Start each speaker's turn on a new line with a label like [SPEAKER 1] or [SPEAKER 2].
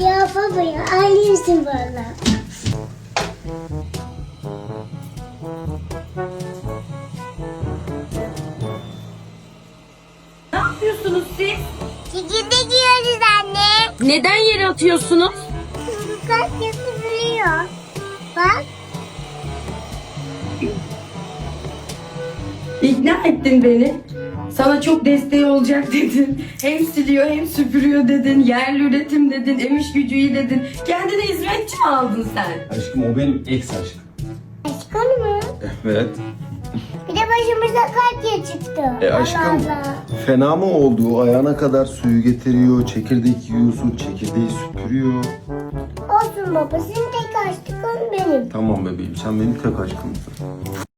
[SPEAKER 1] Ya baba ya ailemsin valla.
[SPEAKER 2] Ne yapıyorsunuz siz?
[SPEAKER 1] Çekirde giyiyoruz anne.
[SPEAKER 2] Neden yere atıyorsunuz?
[SPEAKER 1] Kaç yapılıyor. Bak.
[SPEAKER 2] İkna ettin beni. Sana çok desteği olacak dedin. Hem siliyor hem süpürüyor dedin. Yerli üretim dedin. Em iş gücü iyi dedin. Kendine hizmetçi mi aldın sen?
[SPEAKER 3] Aşkım o benim ex aşkım.
[SPEAKER 1] Aşkın mı?
[SPEAKER 3] Evet.
[SPEAKER 1] Bir de başımıza kalp çıktı.
[SPEAKER 3] Aşkım
[SPEAKER 1] Allah Allah.
[SPEAKER 3] fena mı oldu? Ayağına kadar suyu getiriyor, çekirdek yiyorsun, çekirdeği süpürüyor.
[SPEAKER 1] Olsun baba senin tek aşkın benim.
[SPEAKER 3] Tamam bebeğim sen benim tek aşkımsın.